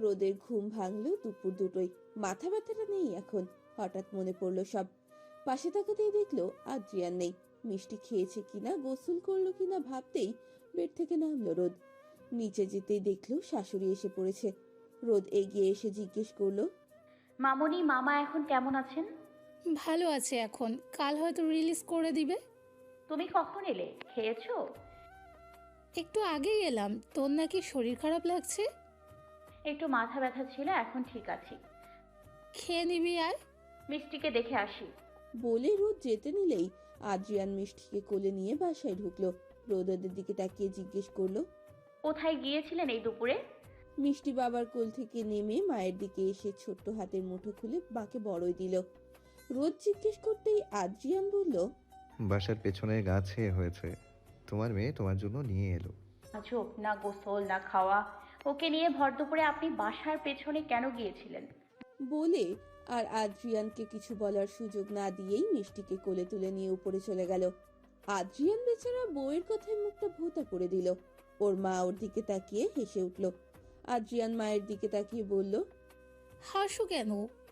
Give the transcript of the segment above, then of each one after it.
রোদের ঘুম ভাঙলো দুপুর দুটোই। মাথা ব্যথাটা নেই এখন। হঠাৎ মনে পড়লো সব। পাশে তাকাতেই দেখলো আদ্রিয়ান নেই। মিষ্টি খেয়েছে কিনা, গোসল করলো কিনা ভাবতেই বেড থেকে নামলো রোদ। নিচে যেতেই দেখলো শাশুড়ি এসে পড়েছে। রোদ এগিয়ে এসে জিজ্ঞেস করলো, মামনি, মামা এখন কেমন আছেন? ভালো আছে এখন, কাল হয়তো রিলিজ করে দিবে। তুমি কখন এলে? খেয়েছো? একটু আগেই এলাম। তোর নাকি শরীর খারাপ লাগছে? একটু মাথা ব্যথা ছিল, এখন ঠিক আছি। খেয়ে নিবি আর। মিষ্টিকে দেখে আসি। বলে রোদ যেতে নিলেই আদ্রিয়ান মিষ্টিকে কোলে নিয়ে বাসায় ঢুকলো। রোদ ওদের দিকে তাকিয়ে জিজ্ঞেস করলো, কোথায় গিয়েছিলেন এই দুপুরে? মিষ্টি বাবার কোল থেকে নেমে মায়ের দিকে এসে ছোট্ট হাতের মুঠো খুলে মাকে বড়ই দিল। রোদ জিজ্ঞেস করতেই আদ্রিয়ান বলল, বাসার পেছনে গাছে হয়েছে, তোমার মেয়ে তোমার জন্য নিয়ে এলো। আজব, না গোসল না খাওয়া। ওকে নিয়ে ভর দুপুরে আপনি বাসার পেছনে কেন গিয়েছিলেন? বলে আর আদ্রিয়ানকে কিছু বলার সুযোগ না দিয়েই মিষ্টিকে কোলে তুলে নিয়ে উপরে চলে গেল। আদ্রিয়ান বেচারা বউয়ের কথায় মুখটা ভোঁতা করে দিল। ওর মা ওর দিকে তাকিয়ে হেসে উঠল। আদ্রিয়ান মায়ের দিকে তাকিয়ে বলল, হাসু কেন?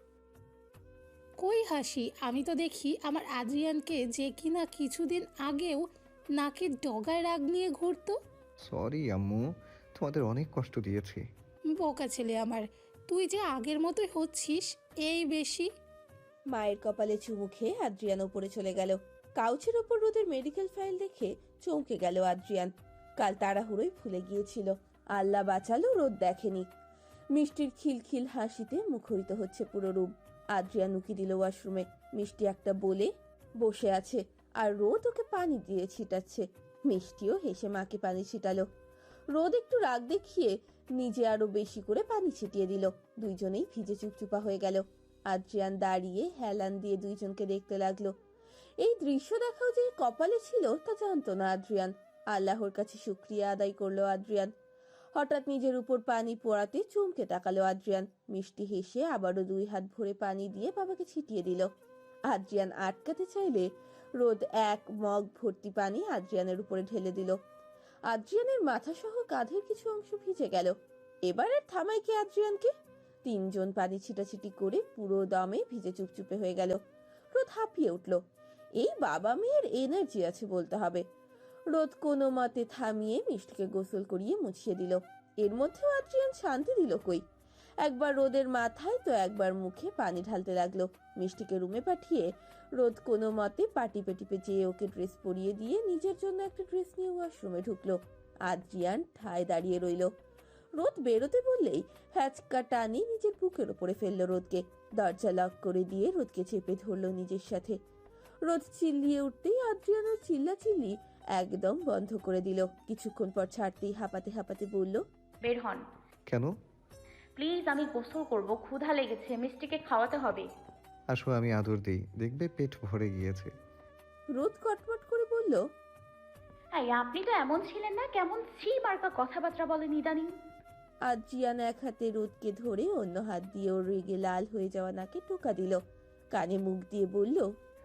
কই হাসি? আমি তো দেখি আমার আদ্রিয়ানকে, যে কিনা কিছুদিন আগেও নাকের ডগায় রাগ নিয়ে ঘুরতো। সরি আম্মু, তোমাদের অনেক কষ্ট দিয়েছি। বোকা ছেলে আমার, তুই যে আগের মতোই হচ্ছিস, এই বেশি। মায়ের কপালে চুমু খেয়ে আদ্রিয়ান উপরে চলে গেল। কাউচের ওপর রোদের মেডিকেল ফাইল দেখে চমকে গেল আদ্রিয়ান। কাল তাড়াহুড়োই ভুলে গিয়েছিল। আল্লাহ বাঁচালো রোদ দেখেনি। মিষ্টির খিলখিল হাসিতে মুখরিত হচ্ছে পুরো রুম। আদ্রিয়ান উকি দিল ওয়াশরুমে। মিষ্টি একটা বলে বসে আছে আর রোদ ওকে পানি দিয়ে ছিটাচ্ছে। মিষ্টিও হেসে মাকে পানি ছিটালো। রোদ একটু রাগ দেখিয়ে নিজে আরো বেশি করে পানি ছিটিয়ে দিল। দুইজনেই ভিজে চুপচুপা হয়ে গেল। আদ্রিয়ান দাঁড়িয়ে হেলান দিয়ে দুইজনকে দেখতে লাগলো। এই দৃশ্য দেখাও যে কপালে ছিল তা জানতো না আদ্রিয়ান। আল্লাহর কাছে শুকরিয়া আদায় করলো আদ্রিয়ান। হঠাৎ নিজের উপর পানি পড়াতে চমকে তাকালো আদ্রিয়ান। মিষ্টি হেসে আবারও 2 হাত ভরে পানি দিয়ে বাবাকে ছিটিয়ে দিল। আদ্রিয়ান আটকাতে চাইলে রোদ 1 মগ ভর্তি পানি আদ্রিয়ানের উপরে ঢেলে দিল। আদ্রিয়ানের মাথা সহ কাঁধের কিছু অংশ ভিজে গেল। এবার আর থামাই কি আদ্রিয়ানকে? 3 জন পানি ছিটাছিটি করে পুরো দমে ভিজে চুপচুপে হয়ে গেল। রোদ হাঁপিয়ে উঠল। এই বাবা মেয়ের এনার্জি আছে বলতে হবে। রোদ কোনো মতে থামিয়ে মিষ্টিকে গোসল করিয়ে মুছিয়ে দিল। এর মধ্যেও আদ্রিয়ান শান্তি দিল কই। একবার রোদের মাথায় তো একবার মুখে পানি ঢালতে লাগলো। মিষ্টিকে রুমে পাঠিয়ে রোদ কোনো মতে পাটিপে টিপে যেয়ে ওকে ড্রেস পরিয়ে দিয়ে নিজের জন্য একটা ড্রেস নিয়ে ওয়াশরুমে ঢুকলো। আদ্রিয়ান ঠায় দাঁড়িয়ে রইল। রোদ বেরোতে বললেই হ্যাচকা টানি নিজের বুকের ওপরে ফেললো রোদকে। দরজা লক করে দিয়ে রোদকে চেপে ধরলো নিজের সাথে। রোদ চিল্লিয়ে উঠতেই আদ্রিয়ান ওর চিল্লাচিল্লি একদম বন্ধ করে দিল। কিছুক্ষণ পর ছাড়তেই হাঁপাতে হাঁপাতে বলল, বের হন কেন? প্লিজ, আমি গোসল করব, ক্ষুধা লেগেছে, মিষ্টিকে খাওয়াতে হবে। আসো আমি আদর দিই, দেখবে পেট ভরে গিয়েছে। রোদ কটমট করে বলল, এই আপনি তো এমন ছিলেন না, কেমন ছি মার্কা কথাবার্তা বলেন ইদানিং। আদ্রিয়ান এক হাতে রোদকে ধরে অন্য হাত দিয়ে ওর রেগে লাল হয়ে যাওয়া নাকে টোকা দিল। কানে মুখ দিয়ে বলল,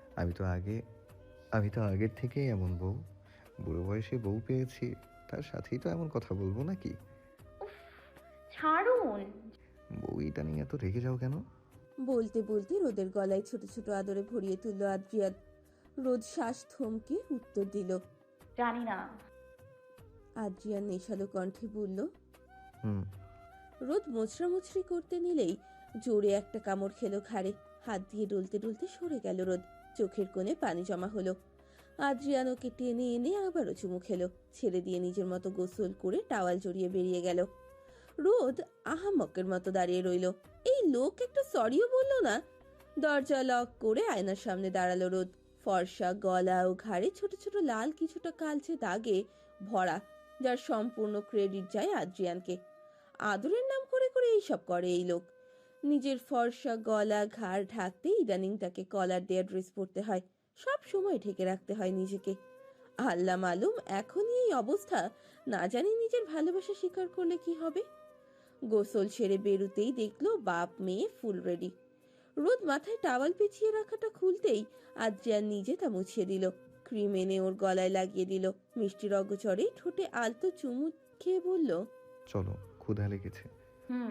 আমি তো আগের থেকেই এমন বউ। বুড়ো বয়সে বউ পেয়েছি, তার সাথেই তো এমন কথা বলবো নাকি? উফ, ছাড়ুন। বউইটা নিয়ে এত রেগে যাও কেন? বলতে বলতে রোদের গলায় ছোট ছোট আদরে ভরিয়ে তুলল আদ্রিয়ান। রোদ শ্বাস থমকে উত্তর দিল। জানি না। আদ্রিয়ান নেশালো কণ্ঠে বলল। হুম। রোদ মোছড়ামুছড়ি করতে নিলেই জোরে একটা কামড় খেলো ঘাড়ে। হাত দিয়ে ডলতে ডলতে সরে গেল রোদ। চোখের কোণে পানি জমা হলো। আদ্রিয়ান ওকে টেনে এনে আবারও চুমু খেলো। ছেড়ে দিয়ে নিজের মতো গোসল করে টাওয়াল জড়িয়ে বেরিয়ে গেল। রোদ আহাম্মকের মতো দাঁড়িয়ে রইল। এই লোক একটা সরিও বলল না। দরজা লক করে আয়নার সামনে দাঁড়ালো রোদ। ফর্সা গলা ও ঘাড়ে ছোট ছোট লাল কিছুটা কালচে দাগে ভরা, যার সম্পূর্ণ ক্রেডিট যায় আদ্রিয়ানকে। আদরের নাম করে করে এইসব করে এই লোক। নিজের ফর্সা গলা ঘাড় ঢাকতে ইদানিং তাকে কলার দেয়া ড্রেস পরতে হয়। সব সময় ঢেকে রাখতে হয় নিজেকে। আল্লাহ মালুম এখনই এই অবস্থা, না জানি নিজের ভালোবাসা স্বীকার করলে কি হবে। গোসল সেরে বেরুতেই দেখলো বাপ মেয়ে ফুল রেডি। রোদ মাথায় টাওয়াল পেঁচিয়ে রাখাটা খুলতেই আদ্রিয়ান নিজে তা মুছিয়ে দিল। ক্রিম এনে ওর গলায় লাগিয়ে দিল। মিষ্টির অগোচরে ঠোঁটে আলতো চুমু খেয়ে বলল, চলো, ক্ষুধা লেগেছে। হুম।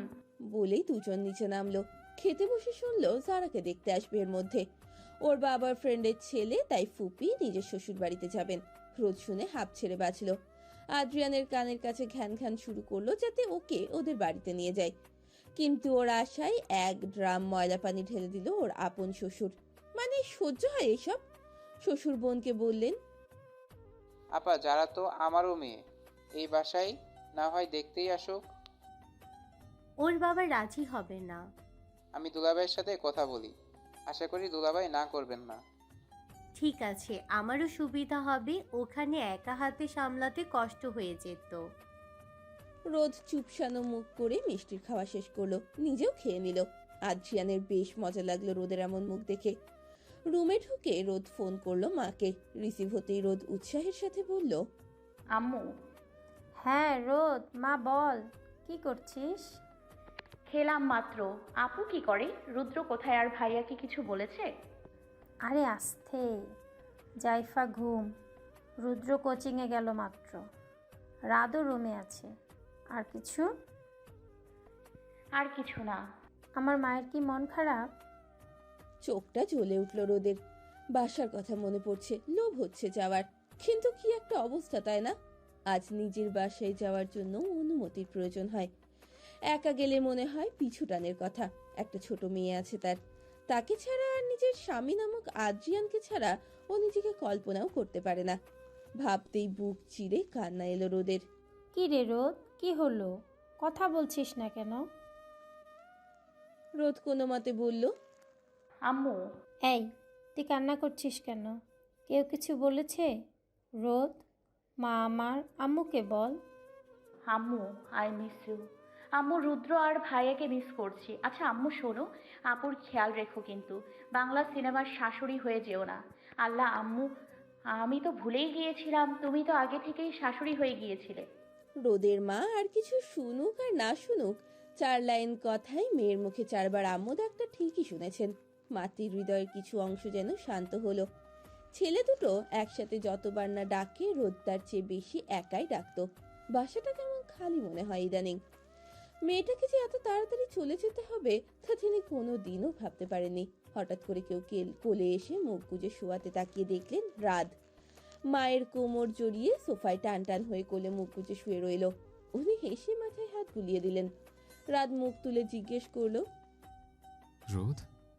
বলেই দুজন নিচে নামলো। খেতে বসে শুনলো জারাকে দেখতে আসবে এর মধ্যে। ওর বাবার ফ্রেন্ডের ছেলে, তাই ফুপি নিজের শ্বশুর বাড়িতে যাবেন। রোদ শুনে হাঁপ ছেড়ে বাঁচলো। আদ্রিয়ানের কানের কাছে ঘ্যান ঘ্যান শুরু করলো যাতে ওকে ওদের বাড়িতে নিয়ে যায়, কিন্তু ওর আশায় এক ড্রাম ময়লা পানি ঢেলে দিল ওর আপন শ্বশুর। মানে সহ্য হয় এসব? শ্বশুর বোনকে বললেন, আপা যারা তো আমারও মেয়ে, এই বাসায় না হয় দেখতেই আসুক। ওর বাবা রাজি হবে না। আমি দুলাভাইয়ের সাথে কথা বলি, আশা করি দুলাভাই না করবেন না। ঠিক আছে, আমারও সুবিধা হবে, ওখানে একা হাতে সামলাতে কষ্ট হয়ে যেত। রোদ চুপসানো মুখ করে মিষ্টির খাওয়া শেষ করলো, নিজেও খেয়ে নিল। আদ্রিয়ানের বেশ মজা লাগলো রোদের এমন মুখ দেখে। রুমে ঢুকে রোদ ফোন করলো মাকে। রিসিভ হতেই রোদ উৎসাহের সাথে বলল, আম্মু। হ্যাঁ রোদ, মা বল, কি করছিস? খেলাম মাত্র। আপু কি করে? রুদ্র কোথায় আর ভাইয়া কি কিছু বলেছে? আরে আস্তে, জাইফা ঘুম, রুদ্র কোচিংয়ে গেল মাত্র, রাদও রুমে আছে। আর কিছু? আর কিছু না। আমার মায়ের কি মন খারাপ? চোখটা জ্বলে উঠল রোদের। বাসার কথা মনে পড়ছে, লোভ হচ্ছে যাওয়ার, কিন্তু কি একটা অবস্থা, তাই না? আজ নিজের বাসায় যাওয়ার জন্য অনুমতির প্রয়োজন হয়। একা গেলে মনে হয় পিছু টানের কথা। একটা ছোট মেয়ে আছে তার, তাকে ছাড়া আর নিজের স্বামী নামক আদ্রিয়ানকে ছাড়া ও নিজেকে কল্পনাও করতে পারে না। ভাবতেই বুক চিরে কান্না এলো রোদের। কি রে রোদ, কি হলো? কথা বলছিস না কেন? রোদ কোনো মতে বলল, আম্মু। এই, তুই কান্না করছিস কেন? কেউ কিছু বলেছে? রোদ, মা আমার, আম্মুকে বল। আম্মু, আই মিস ইউ। আম্মু, রুদ্র আর ভাইয়াকে মিস করছি। আচ্ছা আম্মু শোনো, আপুর খেয়াল রেখো কিন্তু। বাংলা সিনেমার শাশুড়ি হয়ে যেও না। আল্লাহ আম্মু, আমি তো ভুলেই গিয়েছিলাম, তুমি তো আগে থেকেই শাশুড়ি হয়ে গিয়েছিলে। রোদের মা আর কিছু শুনুক আর না শুনুক, 4 লাইন কথাই মেয়ের মুখে 4 বার আম্মু ডাকটা ঠিকই শুনেছেন। মাতৃ হৃদয়ের কিছু অংশ যেন শান্ত হলো। ছেলে দুটো একসাথে যতবার না ডাকে রোদ তার চেয়ে বেশি একাই ডাকতো। বাসাটা কেমন খালি মনে হয় ইদানিং। মেয়েটাকে যে এত তাড়াতাড়ি চলে যেতে হবে তা তিনি কোনোদিনও ভাবতে পারেননি। হঠাৎ করে কেউ কোলে এসে মুখ গুজে শোয়াতে তাকিয়ে দেখলেন রাত। মায়ের কোমর জড়িয়ে সোফায় টান টান হয়ে কোলে মুখ গুজে শুয়ে রইল। উনি হেসে মাথায় হাত বুলিয়ে দিলেন। রাত মুখ তুলে জিজ্ঞেস করলো, রোদ?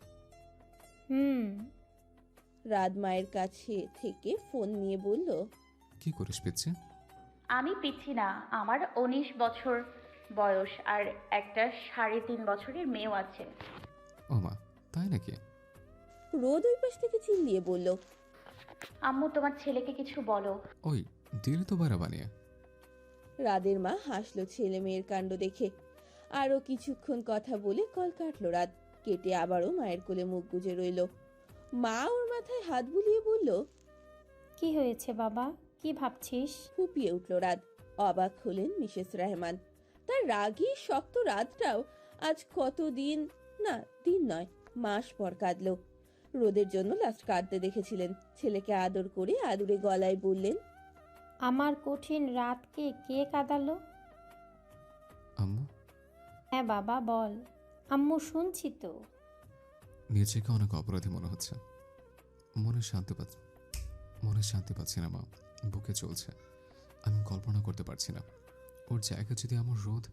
রাত মায়ের কাছে থেকে ফোন নিয়ে বলল, কি করিস পিচ্ছে? আমি পিচ্ছি না, আমার 19 বছর বয়স আর একটা 3.5 বছরের মেয়েও আছে। ও মা, তাই নাকি? রোদ ওই পাশ থেকে চিল্লিয়ে বলল, আম্মু তোমার ছেলেকে কিছু বলো। ওই দিলি তো বাড়া বানিয়ে। রাদের মা হাসলো ছেলে মেয়ের কাণ্ড দেখে। আরো কিছুক্ষণ কথা বলে কল কাটলো রাত। কেটে আবারও মায়ের কোলে মুখ গুজে রইল। মা ওর মাথায় হাত বুলিয়ে বলল, কি হয়েছে বাবা, কি ভাবছিস? ফুপিয়ে উঠল রাত। অবাক হলেন মিসেস রহমান। তার রাগী শক্ত রাতটাও আজ কতদিন, না দিন নয় মাস পর কাঁদলো। রোদের জন্য লাস্ট কাঁদতে দেখেছিলেন। ছেলেকে আদর করে আদুরে গলায় বললেন, আমার কঠিন রাতকে কে কাঁদালো? আম্মু? হ্যাঁ বাবা বল। আম্মু শুনছি তো। নিজেকে অনেক অপরাধী মনে হচ্ছে। মনে শান্তি পাচ্ছি না মা, বুকে চলছে। আমি কল্পনা করতে পারছি না ওর জায়গা যদি আমার রোদ।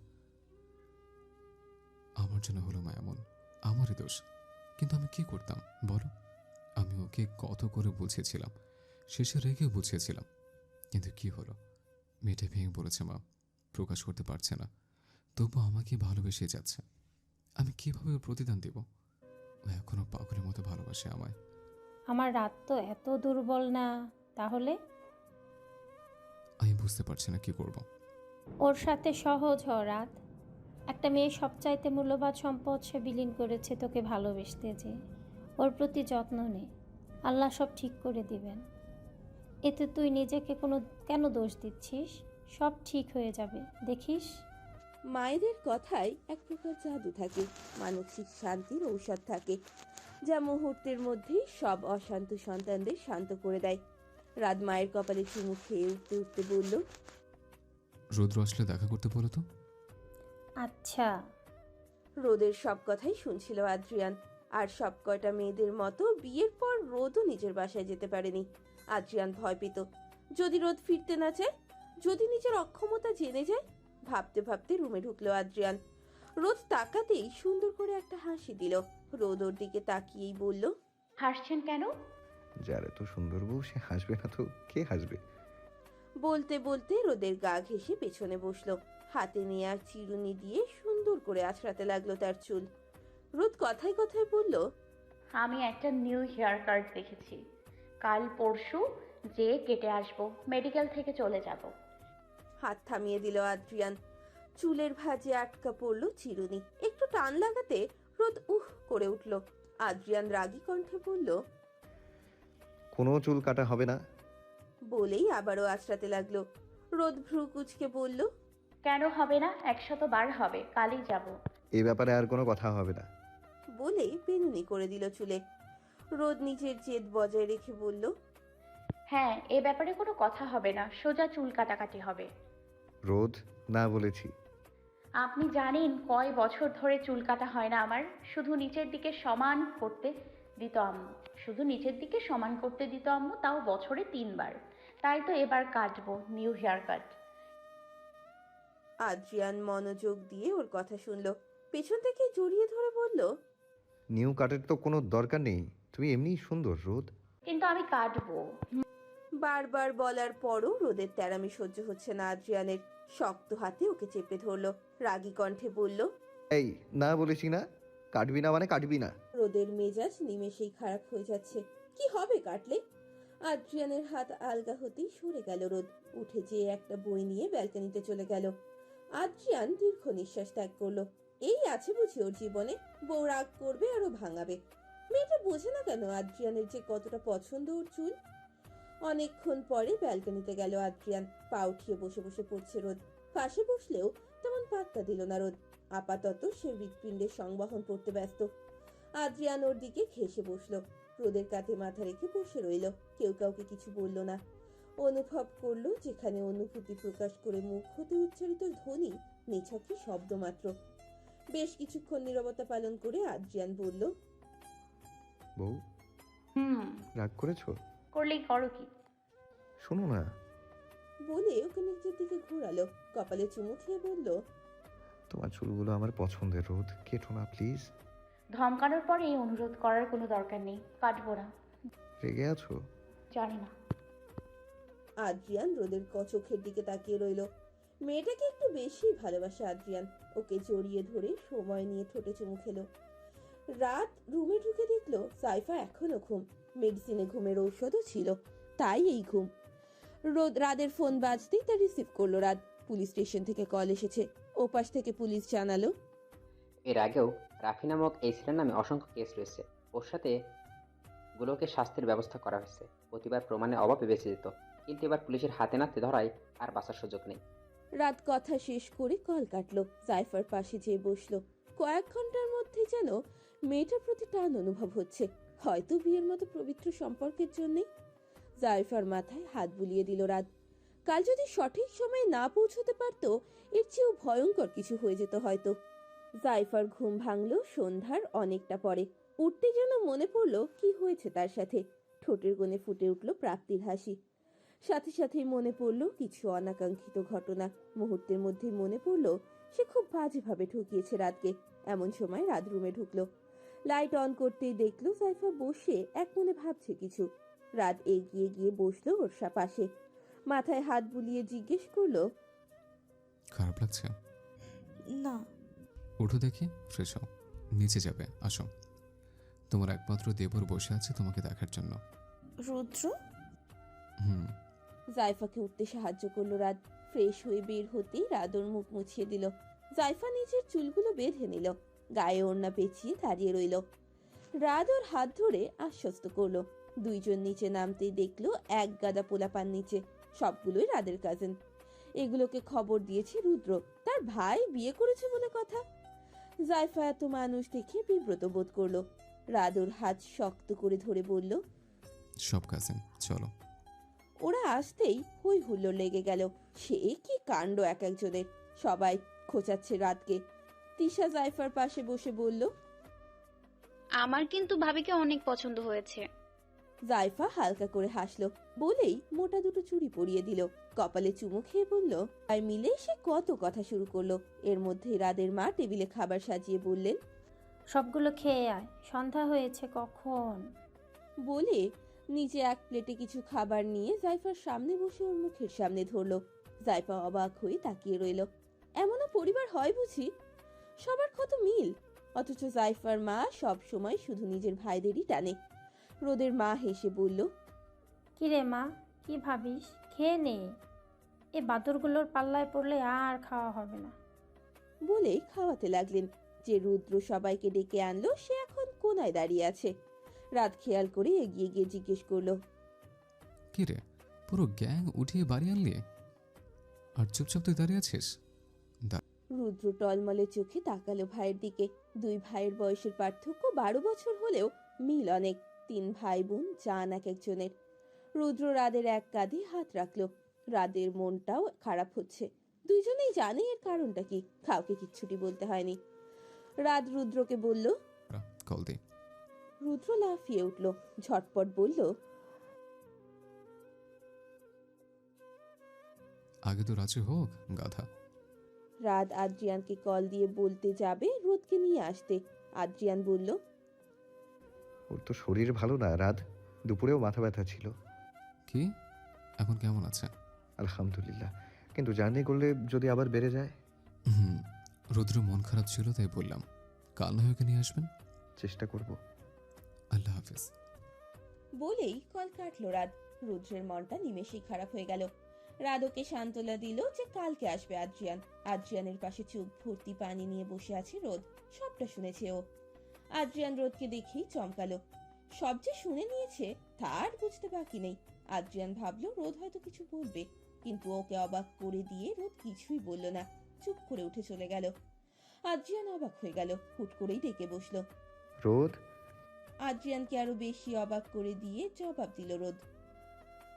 আমার জন্য হলো মা এমন, আমারই দোষ। কিন্তু আমি কি করতাম বলো? আমি ওকে কত করে বুঝিয়েছিলাম, শেষে রেগে বুঝিয়েছিলাম, কিন্তু কি হলো? মেয়েটা ভেঙে বলেছে মা, প্রকাশ করতে পারছে না, তবু আমাকে ভালোবেসে যাচ্ছে। আমি কিভাবে ওর প্রতিদান দেব? ও এখনো পাগলের মতো ভালোবাসে আমায়। আমার রাত তো এত দুর্বল না তাহলে? আমি বুঝতে পারছি না কি করব। ওর সাথে সহজ হ রাত। একটা মেয়ে সবচাইতে মূল্যবান সম্পদ সে বিলীন করেছে তোকে ভালোবেসতে। যে ওর প্রতি যত্ন নে, আল্লাহ সব ঠিক করে দিবেন। এতে তুই নিজেকে কেন দোষ দিচ্ছিস? সব ঠিক হয়ে যাবে, দেখিস। মায়েদের কথায় এক প্রকার জাদু থাকে, মানসিক শান্তির ঔষধ থাকে, যা মুহূর্তের মধ্যেই সব অশান্ত সন্তানদের শান্ত করে দেয়। রাত মায়ের কপালে চুমু খেয়ে উঠতে উঠতে বলল, রুদ্র আসলে দেখা করতে বলো তো। আচ্ছা। রোদের সব কথাই শুনছিল আদ্রিয়ান। আর সব কয়টা মেয়েদের মতো বিয়ের পর রোদও নিজের বাসায় যেতে পারেনি। আদ্রিয়ান ভয় পেত, যদি রোদ ফিরতে না চায়, যদি নিজের অক্ষমতা জেনে যায়। ভাবতে ভাবতে রুমে ঢুকলো আদ্রিয়ান। রোদ তাকাতেই সুন্দর করে একটা হাসি দিল। রোদ ওর দিকে তাকিয়েই বলল, হাসছেন কেন? যার এত সুন্দর বউ সে হাসবে না তো কে হাসবে? বলতে বলতে রোদের গা ঘেঁষে পেছনে বসলো। হাতে নেয়া চিরুনি দিয়ে সুন্দর করে আঁচড়াতে লাগলো তার চুল। রোদ কথায় কথায় বলল, আমি একটা নিউ হেয়ার কাট দেখেছি, কাল পরশু যে কেটে আসবো, মেডিকেল থেকে চলে যাব। হাত থামিয়ে দিল আদ্রিয়ান। চুলের ভাঁজে আটকা পড়ল চিরুনি। একটু টান লাগাতে রোদ করে উঠল। আদ্রিয়ান রাগী কণ্ঠে বলল, কোনো চুল কাটা হবে না। বলেই আবারও আঁচড়াতে লাগলো। রোদ ভ্রু কুচকে বলল, কেন হবে না? 100 বার হবে, কালই যাব। এই ব্যাপারে আর কোনো কথা হবে না। বলেই বেনুনি করে দিল চুলে। রোদ নিজের জেদ বজায় রেখে বলল, হ্যাঁ, এ ব্যাপারে কোনো কথা হবে না, সোজা চুল কাটাকাটি হবে। রোদ, না বলেছি। আপনি জানেন কয় বছর ধরে চুল কাটা হয় না আমার? শুধু নিচের দিকে সমান করতে দিত আম্মু, শুধু নিচের দিকে সমান করতে দিত আম্মু, তাও বছরে 3 বার। তাই তো এবার কাটবো, নিউ হেয়ার কাট। আদ্রিয়ান মনোযোগ দিয়ে ওর কথা শুনলো। পেছন থেকে জড়িয়ে ধরে বলল, নিউ কাটের তো কোনো দরকার নেই, তুমি এমনিই সুন্দর রোদ। কিন্তু আমি কাটবো। বারবার বলার পরও রোদের তেরামি সহ্য হচ্ছে না আদ্রিয়ানের। শক্ত হাতে ওকে চেপে ধরলো। রাগী কণ্ঠে বলল, এই, না বলেছি না? কাটবি না মানে কাটবি না। রোদের মেজাজ নিমেষেই খারাপ হয়ে যাচ্ছে। কি হবে কাটলে? আদ্রিয়ানের হাত আলগা হতেই সরে গেল রোদ। উঠে যেয়ে একটা বই নিয়ে ব্যালকনিতে চলে গেল। আদ্রিয়ান দীর্ঘ নিঃশ্বাস ত্যাগ করলো। এই আছে বুঝি ওর জীবনে, বউ রাগ করবে আরো ভাঙাবে। মেয়েটা বোঝে না কেন আদ্রিয়ানের যে কতটা পছন্দ ওর চুল। অনেকক্ষণ পরে ব্যালকনিতে গেল আদ্রিয়ান। পা উঠিয়ে বসে বসে পড়ছে রোদ। পাশে বসলেও তেমন পাত্তা দিল না রোদ। আপাতত সে হৃৎপিণ্ডের সংবহন করতে ব্যস্ত। আদ্রিয়ান ওর দিকে ঘেঁষে বসলো। রোদের কাঁধে মাথা রেখে বসে রইল। কেউ কাউকে কিছু বলল না। অনুভব করলো যেখানে অনুভূতি প্রকাশ করে মুখ হতে উচ্চারিত ধ্বনি নিছকই শব্দ মাত্র। বেশ কিছুক্ষণ নীরবতা পালন করে আদ্রিয়ান বলল, বউ, হুম, রাগ করেছো? করলেই করো কি? শোনো না। বলে ওকে নিজের দিকে ঘোরালো। কপালে চুমু খেয়ে বলল, তোমার চুলগুলো আমার পছন্দের রোদ, কেটো না প্লিজ। ধমকানোর পরে এই অনুরোধ করার কোনো দরকার নেই, কাটবো না। রেগে আছো? জানি না। আদ্রিয়ান রোদের চোখের দিকে তাকিয়ে রইল। মেয়েটাকে একটু বেশি ভালোবাসে আদ্রিয়ান। ওকে জড়িয়ে ধরে সময় নিয়ে ঠোঁটে চুমু খেলো। রাত রুমে ঢুকে দেখলো সাইফা এখনো ঘুম। মেডিসিনে ঘুমের ঔষধও ছিল, তাই এই ঘুম। রাদের ফোন বাজতেই তা রিসিভ করলো রাত। পুলিশ স্টেশন থেকে কল এসেছে। ওপাশ থেকে পুলিশ জানালো, এর আগেও রাফি নামক এই ছেলের নামে অসংখ্য কেস রয়েছে। ওর সাথে গুলোকে শাস্তির ব্যবস্থা করা হয়েছে। প্রতিবার প্রমাণের অভাবে বেঁচে যেত, কিন্তু এবার পুলিশের হাতে নাতে ধরায় আর বাঁচার সুযোগ নেই। রাত কথা শেষ করে কল কাটলো। সাইফার পাশে যেয়ে বসলো। কয়েক ঘন্টার মধ্যে যেন মেয়েটার প্রতি টান অনুভব হচ্ছে, হয়তো বিয়ের মতো পবিত্র সম্পর্কের জন্যই। জাইফার মাথায় হাত বুলিয়ে দিল রাত। কাল যদি সঠিক সময়ে না পৌঁছতে পারতো, এর চেয়েও ভয়ঙ্কর কিছু হয়ে যেত হয়তো। জাইফার ঘুম ভাঙলো সন্ধ্যার অনেকটা পরে। উঠতে যেন মনে পড়লো কি হয়েছে তার সাথে। ঠোঁটের কোণে ফুটে উঠল প্রাপ্তির হাসি। সাথে সাথেই মনে পড়লো কিছু অনাকাঙ্ক্ষিত ঘটনা। মুহূর্তের মধ্যেই মনে পড়লো সে খুব বাজেভাবে ঠকিয়েছে রাতকে। এমন সময় রাত রুমে ঢুকলো। লাইট অন করতেই দেখলো সাইফা বসে এক মনে ভাবছে কিছু। রাত এগিয়ে গিয়ে বসলো ওর পাশে। মাথায় হাত বুলিয়ে জিজ্ঞেস করলো, খারাপ লাগছে? না। উঠো দেখি, ফ্রেশ হও, নিচে যাবে, আসো। তোমার একমাত্র দেবর বসে আছে তোমাকে দেখার জন্য। রুদ্র? হুম। জাইফাকে উঠতে সাহায্য করলো রাত। ফ্রেশ হয়ে বের হতেই রাত ওর মুখ মুছিয়ে দিল। জাইফা নিজের চুলগুলো বেঁধে নিল। গায়ে ওড়না পেঁচিয়ে দাঁড়িয়ে রইল। রাত ওর হাত ধরে আশ্বস্ত করলো। দুইজন নিচে নামতেই দেখলো এক গাদা পোলাপান নিচে। সবগুলোই রাদের কাজিন। এগুলোকে খবর দিয়েছে রুদ্র, তার ভাই বিয়ে করেছে বলে কথা। জাইফা এত মানুষ দেখে বিব্রত বোধ করলো। রাত ওর হাত শক্ত করে ধরে বলল, সব কাজিন, চলো। ওরা আসতেই হই হুল্লোড় লেগে গেল। সে কি কাণ্ড এক একজনের! সবাই খোঁচাচ্ছে রাতকে। তিশা জাইফার পাশে বসে বলল। আমার কিন্তু ভাবিকে অনেক পছন্দ হয়েছে। জাইফা হালকা করে হাসলো, বলেই মোটা দুটো চুড়ি পরিয়ে দিল। কপালে চুমু খেয়ে বলল। আর মিলে সে কত কথা শুরু করলো। এর মধ্যে রাদের মা টেবিলে খাবার সাজিয়ে বললেন, সবগুলো খেয়ে আয়, সন্ধ্যা হয়েছে কখন। বলে নিচে এক প্লেটে কিছু খাবার নিয়ে জাইফার সামনে বসে ওর মুখের সামনে ধরলো। জাইফা অবাক হয়ে তাকিয়ে রইল। এমনও পরিবার হয় বুঝি? সবার কত মিল, অথচ জাইফার মা সব সময় শুধু নিজের ভাইদেরই টানে। রোদের মা হেসে বলল, কিরে মা, কি ভাবিস? খেয়ে নে, এ বাদরগুলোর পাল্লায় পড়লে আর খাওয়া হবে না। বলে খাওয়াতে লাগলেন। যে রুদ্র সবাইকে ডেকে আনলো সে এখন কোনায় দাঁড়িয়ে আছে। রাত খেয়াল করে এগিয়ে গিয়ে জিজ্ঞেস করলো, কি রে, পুরো গ্যাং উঠিয়ে বাড়ি আনলি আর চুপচাপ তুই দাঁড়িয়ে আছিস? রুদ্র টলমলে চোখে তাকালো ভাইয়ের দিকে। দুই ভাইয়ের বয়সের পার্থক্য 12 বছর হলেও মিল অনেক। 3 ভাই বোন, জান এক একজনের। রুদ্র রাদের এক কাঁধে হাত রাখলো। রাদের মনটাও খারাপ হচ্ছে। দুইজনেই জানে এর কারণটা কি, কাউকে কিচ্ছুটি বলতে হয়নি। রাত রুদ্রকে বলল। কল দে। রুদ্র লাফিয়ে উঠল, ঝটপট বলল, আগে তো রাজি হোক গাধা। রাত আদ্রিয়ানকে কল দিয়ে বলতে যাবে রোদকে নিয়ে আসতে। আদ্রিয়ান বলল, ওর তো শরীর ভালো না রাত, দুপুরেও মাথা ব্যথা ছিল। কি, এখন কেমন আছে? আলহামদুলিল্লাহ, কিন্তু জার্নি করলে যদি আবার বেড়ে যায়। রুদ্র মন খারাপ ছিল তাই বললাম, কাল না ওকে নিয়ে আসবেন। চেষ্টা করব। আল্লাহ হাফিজ। বলেই কল কাটলো রাত। রুদ্রের মনটা নিমেষেই খারাপ হয়ে গেল। রাত ওকে সান্ত্বনা দিল যে কালকে আসবে আদ্রিয়ান। আদ্রিয়ানের পাশে চোখ ভর্তি পানি নিয়ে বসে আছে রোদ। সবটা শুনেছে ও। আদ্রিয়ান রোদকে দেখেই চমকালো। সব যে শুনে নিয়েছে তার বুঝতে বাকি নেই। আদ্রিয়ান ভাবলো রোদ হয়তো কিছু বলবে, কিন্তু ওকে অবাক করে দিয়ে রোদ কিছুই বলল না, চুপ করে উঠে চলে গেল। আদ্রিয়ান অবাক হয়ে গেল, হুট করেই ডেকে বসলো। রোদ। আদ্রিয়ানকে আরো বেশি অবাক করে দিয়ে জবাব দিল রোদ।